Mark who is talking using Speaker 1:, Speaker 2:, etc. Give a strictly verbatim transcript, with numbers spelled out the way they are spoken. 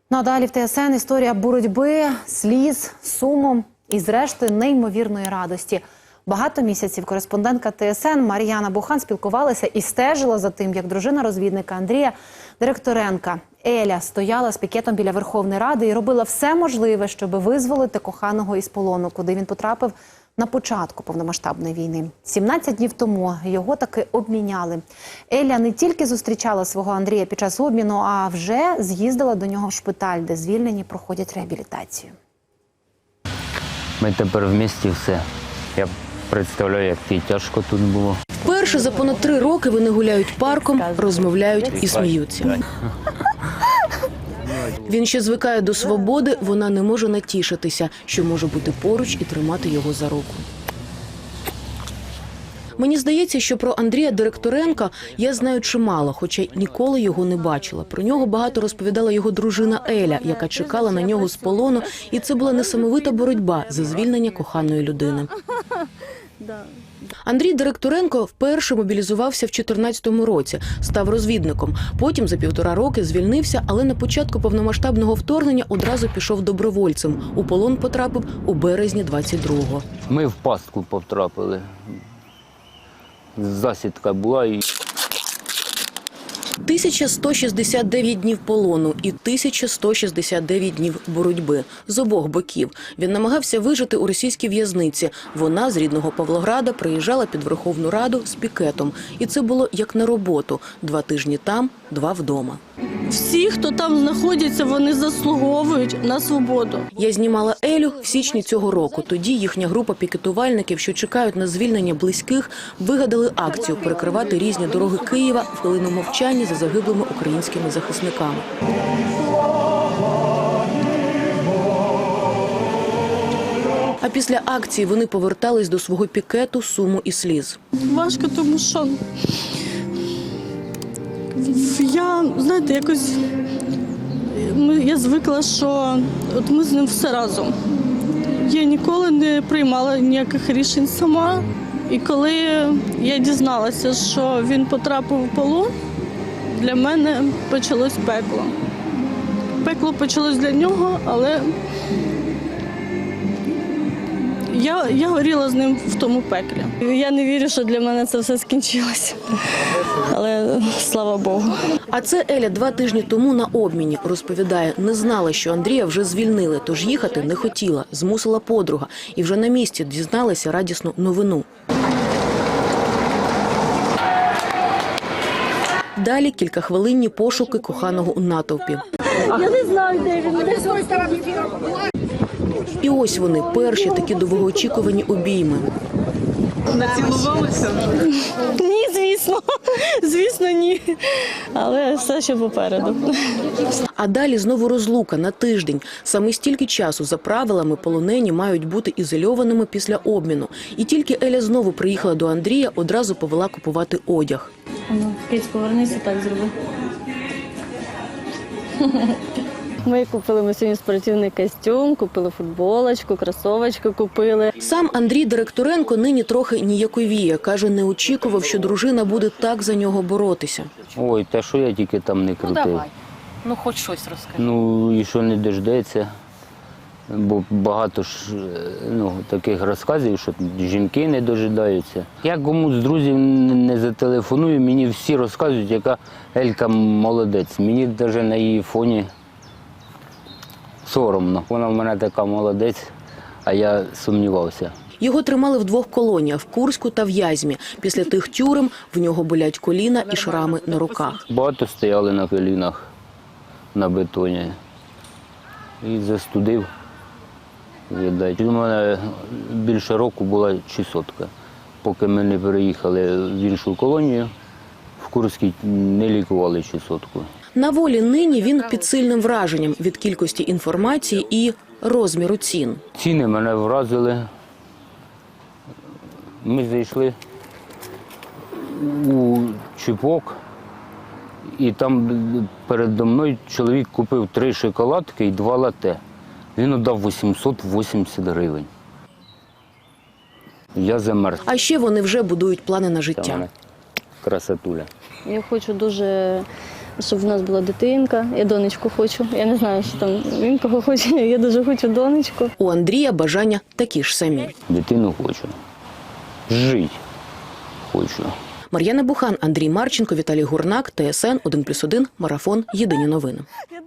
Speaker 1: Ну а далі в Т С Н історія боротьби, сліз, суму і, зрештою, неймовірної радості. Багато місяців кореспондентка Т С Н Мар'яна Бухан спілкувалася і стежила за тим, як дружина розвідника Андрія Директоренка Еля стояла з пікетом біля Верховної Ради і робила все можливе, щоб визволити коханого із полону, куди він потрапив на початку повномасштабної війни. сімнадцять днів тому його таки обміняли. Еля не тільки зустрічала свого Андрія під час обміну, а вже з'їздила до нього в шпиталь, де звільнені проходять реабілітацію.
Speaker 2: Ми тепер в місті все. Я представляю, як тобі тяжко тут було.
Speaker 3: Вперше за понад три роки вони гуляють парком, розмовляють і сміються. Він ще звикає до свободи, вона не може натішитися, що може бути поруч і тримати його за руку. Мені здається, що про Андрія Директоренка я знаю чимало, хоча ніколи його не бачила. Про нього багато розповідала його дружина Еля, яка чекала на нього з полону, і це була несамовита боротьба за звільнення коханої людини. Андрій Директоренко вперше мобілізувався в чотирнадцятому році, став розвідником. Потім за півтора роки звільнився, але на початку повномасштабного вторгнення одразу пішов добровольцем. У полон потрапив у березні двадцять другого.
Speaker 2: Ми в пастку потрапили. Засідка була і...
Speaker 3: тисяча сто шістдесят дев'ять днів полону і тисяча сто шістдесят дев'ять днів боротьби з обох боків. Він намагався вижити у російській в'язниці. Вона з рідного Павлограда приїжджала під Верховну Раду з пікетом. І це було як на роботу. Два тижні там, два вдома.
Speaker 4: Всі, хто там знаходяться, вони заслуговують на свободу.
Speaker 3: Я знімала Елю в січні цього року. Тоді їхня група пікетувальників, що чекають на звільнення близьких, вигадали акцію перекривати різні дороги Києва в хвилину мовчання за загиблими українськими захисниками. А після акції вони повертались до свого пікету, суму і сліз.
Speaker 4: Важко, тому що я, знаєте, якось я звикла, що от ми з ним все разом. Я ніколи не приймала ніяких рішень сама. І коли я дізналася, що він потрапив в полон, для мене почалось пекло. Пекло почалось для нього, але я, я горіла з ним в тому пеклі. Я не вірю, що для мене це все скінчилося. Але слава Богу.
Speaker 3: А це Еля два тижні тому на обміні. Розповідає, не знала, що Андрія вже звільнили, тож їхати не хотіла. Змусила подруга. І вже на місці дізналася радісну новину. Далі кількахвилинні пошуки коханого у натовпі.
Speaker 4: Я не знаю, де він.
Speaker 3: І ось вони, перші такі довгоочікувані обійми.
Speaker 4: Націлувалися? Ні, звісно. Звісно, ні. Але все ще попереду.
Speaker 3: А далі знову розлука на тиждень. Саме стільки часу за правилами полонені мають бути ізольованими після обміну. І тільки Еля знову приїхала до Андрія, одразу повела купувати одяг.
Speaker 4: Ну, Киць, повернися, так зроби. Ми купили ми сьогодні спортивний костюм, купили футболочку, кросовочку купили.
Speaker 3: Сам Андрій Директоренко нині трохи ніяковіє. Каже, не очікував, що дружина буде так за нього боротися.
Speaker 2: Ой, та що я тільки там не крутив.
Speaker 3: Ну, давай. Ну, хоч щось розкажи.
Speaker 2: Ну, і що не дождеться. Бо багато ж ну, таких розказів, що жінки не дожидаються. Я комусь з друзів не зателефоную, мені всі розказують, яка Елька молодець. Мені навіть на її фоні соромно. Вона в мене така молодець, а я сумнівався.
Speaker 3: Його тримали в двох колоніях – в Курську та в В'язьмі. Після тих тюрем в нього болять коліна і шрами на руках.
Speaker 2: Багато стояли на колінах на бетоні і застудив. У мене більше року була чесотка. Поки ми не переїхали в іншу колонію, в Курській не лікували чесотку.
Speaker 3: На волі нині він під сильним враженням від кількості інформації і розміру цін.
Speaker 2: Ціни мене вразили. Ми зайшли у чіпок, і там передо мною чоловік купив три шоколадки і два лате. Він віддав вісімсот вісімдесят гривень. Я замерз.
Speaker 3: А ще вони вже будують плани на життя.
Speaker 2: Красотуля.
Speaker 4: Я хочу дуже
Speaker 5: щоб в нас була дитинка. Я донечку хочу. Я не знаю, що там він кого хоче. Я дуже хочу донечку.
Speaker 3: У Андрія бажання такі ж самі.
Speaker 2: Дитину хочу. Жити хочу.
Speaker 3: Мар'яна Бухан, Андрій Марченко, Віталій Гурнак, ТСН один плюс один, Марафон. Єдині новини.